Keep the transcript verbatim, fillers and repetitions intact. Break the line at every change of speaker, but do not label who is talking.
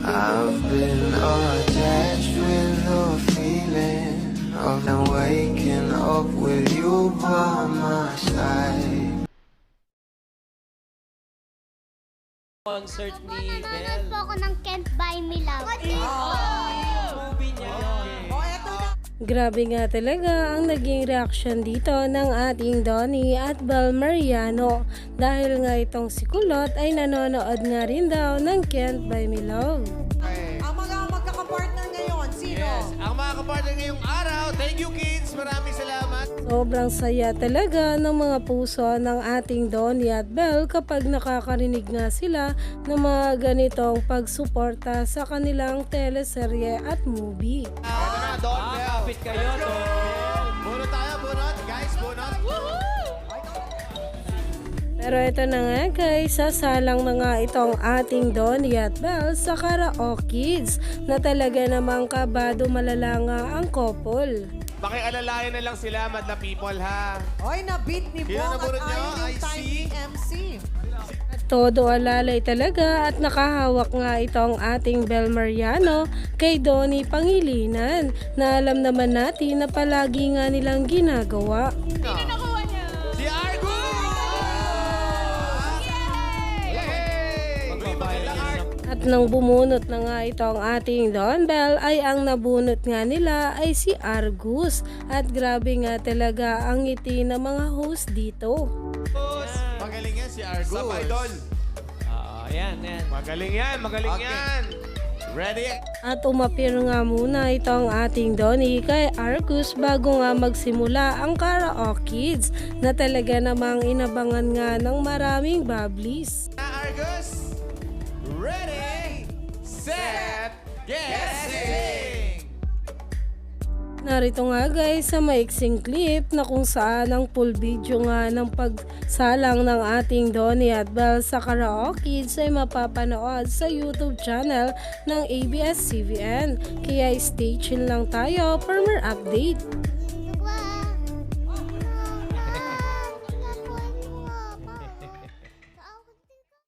I've been attached with the feeling of them waking up with you by my side.
Concert ni
Nanonood
Belle.
po ako ng Can't Buy Me Love.
Movie niya.
Grabe nga talaga ang naging reaksyon dito ng ating Donnie at Bel Mariano dahil nga itong si Kulot ay nanonood nga rin daw ng Can't Buy Me Love.
Ang mga magkakapartner ngayon, sino?
Yes, ang mga kapartner ngayong araw. Thank you, kids. Maraming salamat.
Sobrang saya talaga ng mga puso ng ating Donnie at Bel kapag nakakarinig nga sila ng mga ganitong pagsuporta sa kanilang teleserye at movie.
Ito na, Don Bell. Kapit kayo, Don Bell. Bunot tayo, bunot. Guys, bunot.
Pero ito na nga guys, sasalang na nga itong ating Donnie at Bel sa Karaoke Kids na talaga namang kabado malala nga ang couple.
Pakialalayan na lang sila, madla people, ha?
Oy, na-beat ni
Sino
Bong at
nabunot niyo?
ayaw
I
yung time
see.
ni M C.
Todo alalay talaga at nakahawak nga itong ating Bel Mariano kay Donnie Pangilinan na alam naman natin na palagi nga nilang ginagawa.
Si Argo! Yay! Magbabayad lang,
At nang bumunot na nga itong ating Don Bell ay ang nabunot nga nila ay si Argus. At grabe nga talaga ang ngiti ng mga host dito.
Magaling yan si Argus.
Sa idol.
Oo, yan, yan. Magaling yan, magaling
Okay.
yan. Ready?
At umapir nga muna itong ating Donnie kay Argus bago nga magsimula ang Karaoke Kids na talaga namang inabangan nga ng maraming bablis.
Na Argus. Ready, set, get, sing!
Narito nga guys sa maiksing clip na kung saan ang full video nga ng pagsalang ng ating Donnie at Bel sa Karaoke Kids ay mapapanood sa YouTube channel ng A B S C B N. Kaya stay tuned lang tayo for more update.